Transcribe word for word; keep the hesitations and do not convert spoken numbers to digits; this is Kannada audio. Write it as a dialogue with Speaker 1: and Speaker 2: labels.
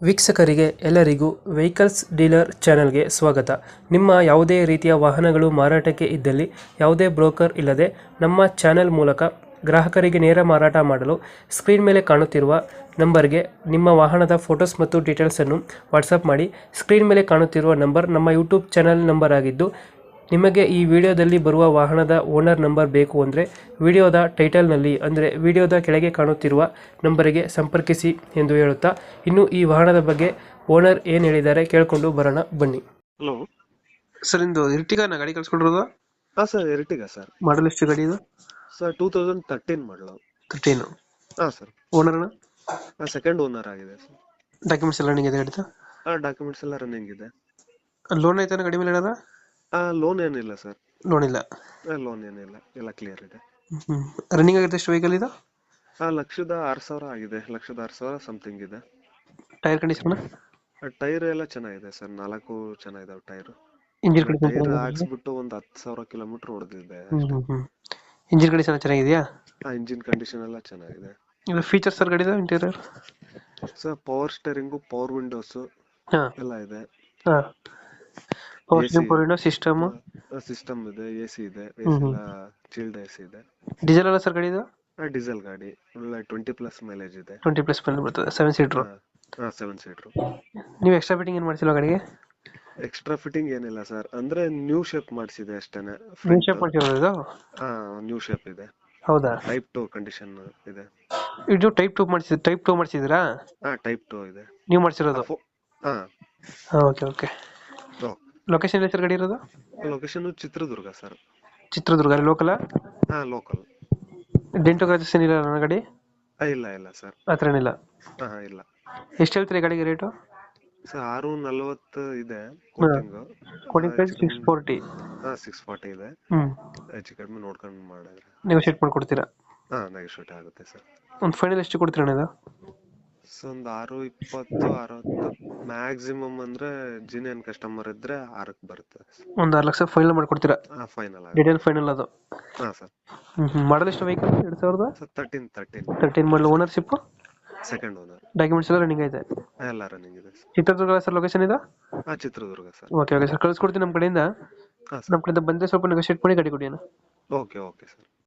Speaker 1: ವೀಕ್ಷಕರಿಗೆ ಎಲ್ಲರಿಗೂ ವೆಹಿಕಲ್ಸ್ ಡೀಲರ್ ಚಾನೆಲ್ಗೆ ಸ್ವಾಗತ. ನಿಮ್ಮ ಯಾವುದೇ ರೀತಿಯ ವಾಹನಗಳು ಮಾರಾಟಕ್ಕೆ ಇದ್ದಲ್ಲಿ ಯಾವುದೇ ಬ್ರೋಕರ್ ಇಲ್ಲದೆ ನಮ್ಮ ಚಾನೆಲ್ ಮೂಲಕ ಗ್ರಾಹಕರಿಗೆ ನೇರ ಮಾರಾಟ ಮಾಡಲು ಸ್ಕ್ರೀನ್ ಮೇಲೆ ಕಾಣುತ್ತಿರುವ ನಂಬರ್ಗೆ ನಿಮ್ಮ ವಾಹನದ ಫೋಟೋಸ್ ಮತ್ತು ಡೀಟೇಲ್ಸನ್ನು ವಾಟ್ಸಪ್ ಮಾಡಿ. ಸ್ಕ್ರೀನ್ ಮೇಲೆ ಕಾಣುತ್ತಿರುವ ನಂಬರ್ ನಮ್ಮ ಯೂಟ್ಯೂಬ್ ಚಾನೆಲ್ ನಂಬರ್ ಆಗಿದ್ದು, ನಿಮಗೆ ಈ ವಿಡಿಯೋದಲ್ಲಿ ಬರುವ ವಾಹನದ ಓನರ್ ನಂಬರ್ ಬೇಕು ಅಂದರೆ ವಿಡಿಯೋದ ಟೈಟಲ್ನಲ್ಲಿ ಅಂದರೆ ವಿಡಿಯೋದ ಕೆಳಗೆ ಕಾಣುತ್ತಿರುವ ನಂಬರಿಗೆ ಸಂಪರ್ಕಿಸಿ ಎಂದು ಹೇಳುತ್ತಾ, ಇನ್ನು ಈ ವಾಹನದ ಬಗ್ಗೆ ಓನರ್ ಏನು ಹೇಳಿದ್ದಾರೆ ಕೇಳಿಕೊಂಡು ಬರೋಣ ಬನ್ನಿ.
Speaker 2: ಹಲೋ
Speaker 1: ಸರ್, ಇಂದು ಇರ್ಟಿಗಾನ ಗಾಡಿ ಕಳ್ಸ್ಕೊಡಿರೋದು?
Speaker 2: ಹಾ ಸರ್, ಎರ್ಟಿಗಾ ಸರ್.
Speaker 1: ಮಾಡಲ್ ಎಷ್ಟು ಗಾಡಿ ಇದು?
Speaker 2: Sir two thousand thirteen model.
Speaker 1: Thirteen.
Speaker 2: ಹಾ ಸರ್.
Speaker 1: ಓನರ್ನ
Speaker 2: ಸೆಕೆಂಡ್ ಓನರ್ ಆಗಿದೆ ಸರ್.
Speaker 1: ಡಾಕ್ಯುಮೆಂಟ್ಸ್ ಎಲ್ಲ ರನ್ನಿಂಗ್ ಇದೆ ಗಾಡಿದು?
Speaker 2: ಹಾ, ಡಾಕ್ಯುಮೆಂಟ್ಸ್ ಎಲ್ಲ ರನ್ನಿಂಗ್ ಇದೆ.
Speaker 1: ಲೋನ್ ಐತಾನ ಗಾಡಿ ಮೇಲೆ ಏನಾರ?
Speaker 2: ಹಾ, ಲೋನ್ ಏನಿಲ್ಲ ಸರ್.
Speaker 1: ಲೋನ್ ಇಲ್ಲ.
Speaker 2: ಲೋನ್ ಏನಿಲ್ಲ, ಎಲ್ಲ ಕ್ಲಿಯರ್ ಇದೆ.
Speaker 1: ಹ್ಞೂ ರನ್ನಿಂಗ್ ಆಗಿರುತ್ತೆ ಎಷ್ಟು ವೆಹಿಕಲ್ ಇದು?
Speaker 2: ಹಾ, ಲಕ್ಷದ ಆರು ಸಾವಿರ ಆಗಿದೆ. ಲಕ್ಷದ ಆರು ಸಾವಿರ ಸಮಥಿಂಗ್ ಇದೆ.
Speaker 1: Tyre condition?
Speaker 2: ಟೈರ್ ಎಲ್ಲ ಚೆನ್ನಾಗಿದೆ ಸರ್. ನಾಲ್ಕು ಚೆನ್ನಾಗಿದಾವೆ ಟೈರ್.
Speaker 1: Engine
Speaker 2: tyre
Speaker 1: condition?
Speaker 2: ಹಾಕ್ಸ್ಬಿಟ್ಟು ಒಂದು ಹತ್ತು ಸಾವಿರ ಕಿಲೋಮೀಟರ್ ಹೊಡೆದಿದೆ.
Speaker 1: ಹ್ಞೂ ಹ್ಞೂ ಇಂಜಿನ್ ಕಂಡೀಷನ್ ಚೆನ್ನಾಗಿದೆಯಾ?
Speaker 2: ಹಾ, ಇಂಜಿನ್ ಕಂಡೀಷನ್ ಎಲ್ಲ ಚೆನ್ನಾಗಿದೆ.
Speaker 1: ಇದು ಫೀಚರ್ಸ್ ಸರ್ ಗಾಡಿದು interior?
Speaker 2: Sir power steering, power windows
Speaker 1: ಹಾಂ
Speaker 2: ಎಲ್ಲ ಇದೆ.
Speaker 1: ಹಾಂ power steering, power window system,
Speaker 2: system ಇದೆ, ಎ ಸಿ ಇದೆ. A
Speaker 1: hmm
Speaker 2: C
Speaker 1: hmm.
Speaker 2: ಎಲ್ಲ ಚೀಲ್ಡ್ ಎ ಸಿ ಇದೆ.
Speaker 1: ಡೀಸೆಲ್ ಅಲ್ಲ ಸರ್ ಗಾಡಿ ಇದು?
Speaker 2: ಡೀಸೆಲ್ ಗಾಡಿ, ಒಳ್ಳೆ ಟ್ವೆಂಟಿ ಪ್ಲಸ್ ಮೈಲೇಜ್ ಇದೆ.
Speaker 1: ಟ್ವೆಂಟಿ ಪ್ಲಸ್ ಮೇಲೆ ಬರ್ತದೆ, ಸೆವೆನ್ ಸೀಟ್ರು.
Speaker 2: ಹಾ, ಸೆವೆನ್ ಸೀಟ್ರು.
Speaker 1: ನೀವು ಎಕ್ಸ್ಟ್ರಾ ಫಿಟ್ಟಿಂಗ್ ಏನು ಮಾಡಿಸಿಲ್ಲ ಗಾಡಿಗೆ?
Speaker 2: ಎಕ್ಸ್ಟ್ರಾ ಫಿಟ್ಟಿಂಗ್ ಏನಿಲ್ಲ ಸರ್, ಅಂದ್ರೆ ನ್ಯೂ ಶೇಪ್ ಮಾಡಿಸಿದೆ ಅಷ್ಟೇನೆ.
Speaker 1: ನ್ಯೂ ಶೇಪ್ ಮಾಡಿಸಿರೋದು ಇದು?
Speaker 2: ಹಾ, ನ್ಯೂ ಶೇಪ್ ಇದೆ.
Speaker 1: ಹೌದಾ?
Speaker 2: ಟೈಪ್ ಟು ಕಂಡೀಷನ್ ಇದೆ.
Speaker 1: ಇದು ಟೈಪ್ ಟೂ ಮಾಡಿಸಿದ್ ಟೈಪ್ ಟೂ ಮಾಡಿಸಿದ್ರಾ?
Speaker 2: ಹಾ, ಟೈಪ್ ಟು ಇದೆ.
Speaker 1: ನೀವು ಮಾಡಿಸಿರೋದು?
Speaker 2: ಹಾ.
Speaker 1: Okay okay. ಲೊಕೇಶನ್ ಎಲ್ಲಿ ಸರ್ ಗಾಡಿ ಇರೋದು?
Speaker 2: Location Chitradurga sir.
Speaker 1: Chitradurga local?
Speaker 2: ಹಾ, ಲೋಕಲ್.
Speaker 1: ಡೆಂಟು ಕ್ರಾಚಸ್ ಏನಿಲ್ಲ ನನ್ನ ಗಾಡಿ?
Speaker 2: ಇಲ್ಲ ಇಲ್ಲ ಸರ್.
Speaker 1: ಆ ಥರ ಏನಿಲ್ಲ?
Speaker 2: ಹಾ, ಇಲ್ಲ.
Speaker 1: ಎಷ್ಟು ಹೇಳ್ತೀರಿ ಗಾಡಿಗೆ ರೇಟು?
Speaker 2: ಸರ್ ಆರು ನಲ್ವತ್ತು ಇದೆ coating.
Speaker 1: Coating price six forty.
Speaker 2: ಹಾ, ಸಿಕ್ಸ್ ಫಾರ್ಟಿ ಇದೆ.
Speaker 1: ಹ್ಮ್
Speaker 2: ಹೆಚ್ಚು ಕಡಿಮೆ ನೋಡ್ಕೊಂಡು ಮಾಡಿದ್ರೆ
Speaker 1: ನೆಗೋಶಿಯೇಟ್ ಮಾಡ್ಕೊಡ್ತೀರಾ?
Speaker 2: ಹಾ, ನೆಗೋಶಿಯೇಟ್ ಆಗುತ್ತೆ ಸರ್.
Speaker 1: ಒಂದು ಫೈನಲ್ ಎಷ್ಟು ಕೊಡ್ತೀರಾ ಅಣ್ಣ ಇದು?
Speaker 2: ಸೊ ಒಂದು ಆರು ಇಪ್ಪತ್ತು ಅರವತ್ತು ಮ್ಯಾಕ್ಸಿಮಮ್ ಅಂದ್ರೆ ಜಿನಿಯನ್ ಕಸ್ಟಮರ್ ಇದ್ರೆ ಆರಕ್ಕೆ ಬರುತ್ತೆ.
Speaker 1: ಒಂದು ಆರು ಲಕ್ಷ ಫೈನಲ್ ಮಾಡ್ಕೊಡ್ತೀರಾ?
Speaker 2: ಹಾ, ಫೈನಲ್ ಆಗುತ್ತೆ.
Speaker 1: ಡೀಟೇಲ್ ಫೈನಲ್ ಅದು?
Speaker 2: ಹಾ ಸರ್.
Speaker 1: ಹ್ಮ್ ಹ್ಮ್ ಮಾಡಲ್ ಎಷ್ಟು ವೆಹಿಕಲ್? ಎರಡು ಸಾವಿರದ
Speaker 2: sir thirteen thirteen
Speaker 1: thirteen model. Ownership?
Speaker 2: Second owner.
Speaker 1: Documents ಎಲ್ಲ ರನ್ನಿಂಗ್ ಐತೆ?
Speaker 2: ಎಲ್ಲ ರನ್ನಿಂಗ್ ಇದೆ ಸರ್.
Speaker 1: ಚಿತ್ರದುರ್ಗ ಸರ್ ಲೊಕೇಶನ್ ಇದು?
Speaker 2: ಹಾ, Chitradurga sir.
Speaker 1: Okay okay sir, ಕಳಿಸ್ಕೊಡ್ತೀನಿ ನಮ್ಮ ಕಡೆಯಿಂದ.
Speaker 2: ಹಾ
Speaker 1: ನಮ್ಮ
Speaker 2: ಸರ್.
Speaker 1: ಕಡೆಯಿಂದ ಬಂದರೆ ಸ್ವಲ್ಪ ನೆಗೋಶಿಯೇಟ್ ಮಾಡಿ ಗಾಡಿ ಕೊಡಿ ಅಣ್ಣ.
Speaker 2: Okay okay sir.